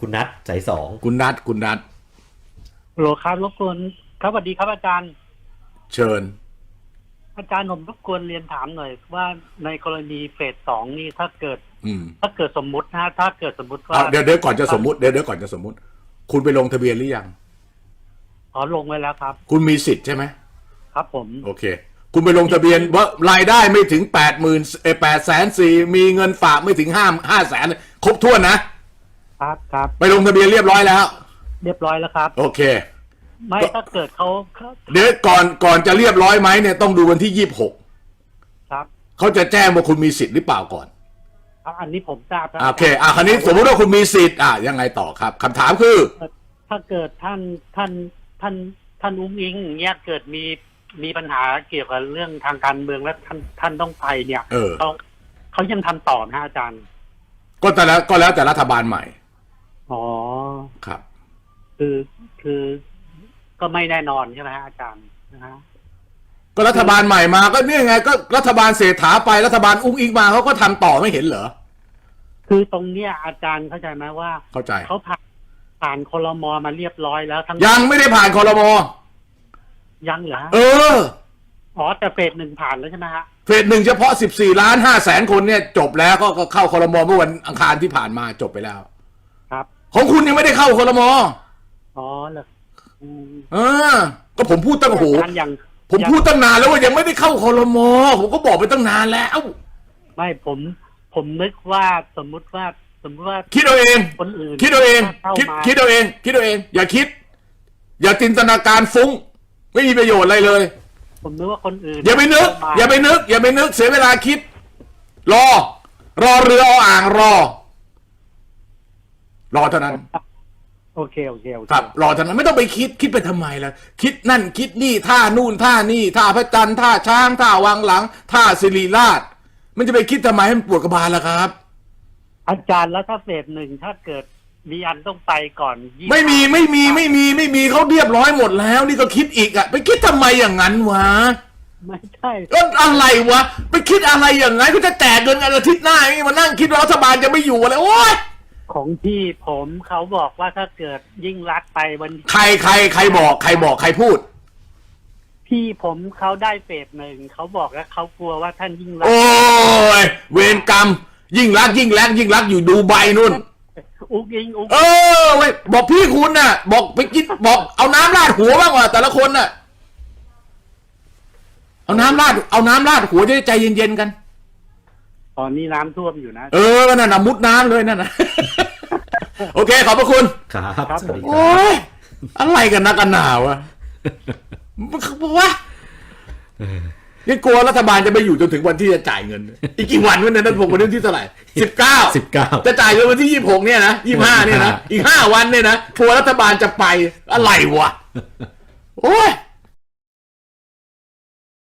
คุณนัทสายสองคุณนัทโหลครับรบกวนครับสวัสดีครับอาจารย์เชิญอาจารย์ผมรบกวนเรียนถามหน่อยว่าในกรณีเฟสสองนี่ถ้าเกิดสมมุตินะถ้าเกิดสมมุติว่าเดี๋ยวก่อนจะสมมุติเดี๋ยวก่อนจะสมมุติคุณไปลงทะเบียนหรือยังลงไว้แล้วครับคุณมีสิทธิ์ใช่ไหมครับผมโอเคคุณไปลงทะเบียนว่ารายได้ไม่ถึง8,400,000มีเงินฝากไม่ถึง500,000ครบถ้วนนะครับไปลงทะเบียนเรียบร้อยแล้วแล้วครับโอเคไม่ถ้าเกิดเขาเดี๋ยวก่อนจะเรียบร้อยไหมเนี่ยต้องดูวันที่26 ครับเขาจะแจ้งว่าคุณมีสิทธิ์หรือเปล่าก่อนอันนี้ผมทราบโอเคคราวนี้สมมติว่าคุณมีสิทธิ์ยังไงต่อครับคำถามคือถ้าเกิดท่านอุ้งอิงเนี่ยเกิดมีปัญหาเกี่ยวกับเรื่องทางการเมืองและท่านต้องไปเนี่ยเขายังทำต่อนะอาจารย์ก็แล้วแต่รัฐบาลใหม่ครับคือก็ไม่แน่นอนใช่ไหมฮะอาจารย์นะฮะก็รัฐบาลใหม่มาก็เนี่ยไงก็รัฐบาลเศรษฐาไปรัฐบาลอุ้งอิงมาเขาก็ทำต่อไม่เห็นเหรอคือตรงเนี้ยอาจารย์เข้าใจไหมว่าเข้าใจเขาผ่านครม.มาเรียบร้อยแล้วทั้งยังไม่ได้ผ่านครม. ยังเหรอแต่เฟสหนึ่งผ่านแล้วใช่ไหมฮะเฟสหนึ่งเฉพาะ14,500,000 คนเนี่ยจบแล้วก็เข้าครม.เมื่อวันอังคารที่ผ่านมาจบไปแล้วครับของคุณยังไม่ได้เข้าครม. เหรอก็ผมพูดตั้งผมพูดตั้งนานแล้วว่ายังไม่ได้เข้าครม.ผมก็บอกไปตั้งนานแล้วไม่ผมนึกว่าสมมุติว่าคิดเอาเองคนอื่นคิดเอาเองคิดเอาเองอย่าคิดอย่าจินตนาการฟุ้งไม่มีประโยชน์อะไรเลยผมนึกว่าคนอื่นอย่าไปนึกเสียเวลาคิดรอเรืออ่างรอเท่านั้นโอเคครับรอเท่านั้นไม่ต้องไปคิดไปทำไมล่ะคิดนั่นคิดนี่ท่านู่นท่านี่ท่าพระจันทร์ท่าช้างท่าวังหลังท่าศิริราชมันจะไปคิดทำไมให้มันปวดกระบาลล่ะครับอาจารย์แล้วถ้าเฟสหนึ่งถ้าเกิดมีอันต้องไปก่อนไม่มีเขาเรียบร้อยหมดแล้วนี่ก็คิดอีกไปคิดทำไมอย่างนั้นวะไม่ใช่อะไรวะไปคิดอะไรอย่างนั้นเขาจะแจกเงินกันอาทิตย์หน้ามานั่งคิดว่ารัฐบาลจะไม่อยู่อะไรโอ๊ยของพี่ผมเขาบอกว่าถ้าเกิดยิ่งรักไปวันใครบอกใครพูดพี่ผมเขาได้เฟสหนึ่งเขาบอกแล้วเขากลัวว่าท่านยิ่งรักโอ้ยเวรกรรมยิ่งรักอยู่ดูใบนู่นอุ้งอิงเว้ยบอกพี่คุณน่ะบอกไปกินบอกเอาน้ำราดหัวบ้างว่ะแต่ละคนน่ะเอาน้ำราดหัวจะได้ใจเย็นๆกันตอนนี้น้ำท่วมอยู่นะนั่นน่ะมุดน้ำเลยนั่นน่ะโอเคขอบพระคุณครับสวัสดีครับโอ้ยอะไรกันนักกันหนาวะยังกลัวรัฐบาลจะไปอยู่จนถึงวันที่จะจ่ายเงินอีกกี่วันวันนั้นผมวันที่เท่าไหร่19จะจ่ายเงินวันที่26เนี่ยนะ25เนี่ยนะอีก5 วันเนี่ยนะกลัวรัฐบาลจะไปอะไรวะโอ้ย